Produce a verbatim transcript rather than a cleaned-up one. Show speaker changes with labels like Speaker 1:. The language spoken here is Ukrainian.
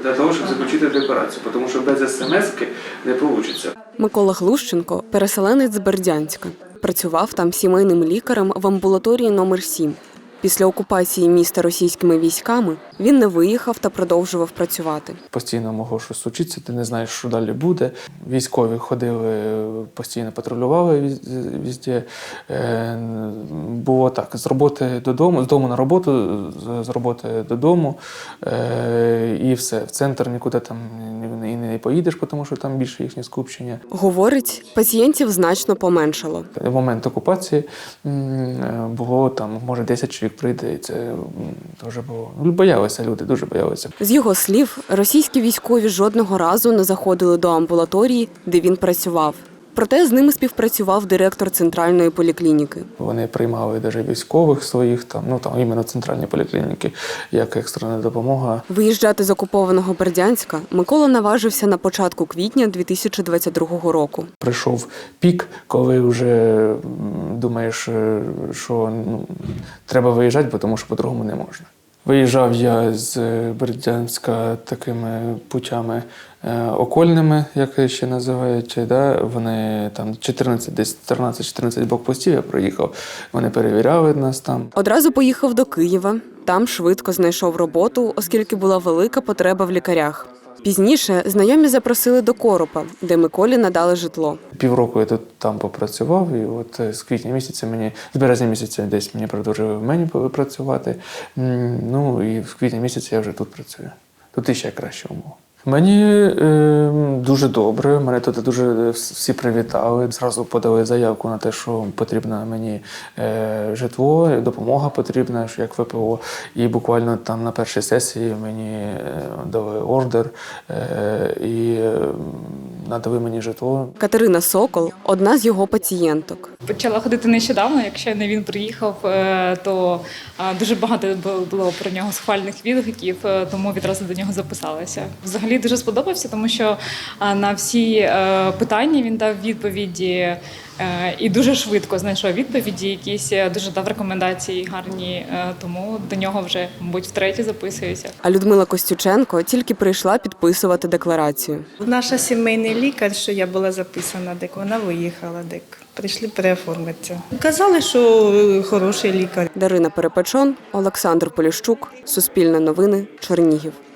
Speaker 1: для того, щоб заключити декларацію, тому що без смс-ки не вийде.
Speaker 2: Микола Глущенко – переселенець з Бердянська. Працював там сімейним лікарем в амбулаторії номер сім. Після окупації міста російськими військами він не виїхав та продовжував працювати.
Speaker 3: Постійно могло щось случитися, ти не знаєш, що далі буде. Військові ходили, постійно патрулювали везде. Було так, з роботи додому, з дому на роботу, з роботи додому і все. В центр нікуди там і не поїдеш, тому що там більше їхнє скупчення.
Speaker 2: Говорить, пацієнтів значно поменшало.
Speaker 3: В момент окупації було там, може, десять чоловік прийде, і це дуже було. Боялися люди, дуже боялися.
Speaker 2: З його слів, російські військові жодного разу не заходили до амбулаторії, де він працював. Проте з ними співпрацював директор центральної поліклініки.
Speaker 3: Вони приймали навіть військових своїх, там, ну там іменно центральні поліклініки, як екстрена допомога.
Speaker 2: Виїжджати з окупованого Бердянська Микола наважився на початку квітня дві тисячі двадцять другого року.
Speaker 3: Прийшов пік, коли вже думаєш, що ну, треба виїжджати, тому що по-другому не можна. Виїжджав я з Бердянська такими путями е, окольними, як ще називають. Да? Вони там чотирнадцять, десь тринадцять-чотирнадцять блокпостів я проїхав. Вони перевіряли нас там.
Speaker 2: Одразу поїхав до Києва. Там швидко знайшов роботу, оскільки була велика потреба в лікарях. Пізніше знайомі запросили до Коропа, де Миколі надали житло.
Speaker 3: Півроку я тут там попрацював, і от з квітня місяця мені, з березня місяця десь мені продовжили в мені працювати. Ну і в квітні місяці я вже тут працюю. Тут іще краще умови. Мені е, дуже добре, мене тут дуже всі привітали. Зразу подали заявку на те, що потрібно мені е, житло, допомога потрібна, як ВПО. І буквально там на першій сесії мені е, дали ордер е, і е, надали мені житло.
Speaker 2: Катерина Сокол – одна з його пацієнток.
Speaker 4: Почала ходити нещодавно, якщо не він приїхав, то дуже багато було про нього схвальних відгуків, тому відразу до нього записалася. Взагалі дуже сподобався, тому що на всі питання він дав відповіді і дуже швидко знайшов відповіді, якісь дуже дав рекомендації гарні, тому до нього вже, мабуть, втретє записуюся.
Speaker 2: А Людмила Костюченко тільки прийшла підписувати декларацію.
Speaker 5: Наша сімейний лікар, що я була записана, дек вона виїхала, дек прийшли переоформитися. Казали, що хороший лікар.
Speaker 2: Дарина Перепечон, Олександр Поліщук, Суспільне новини, Чернігів.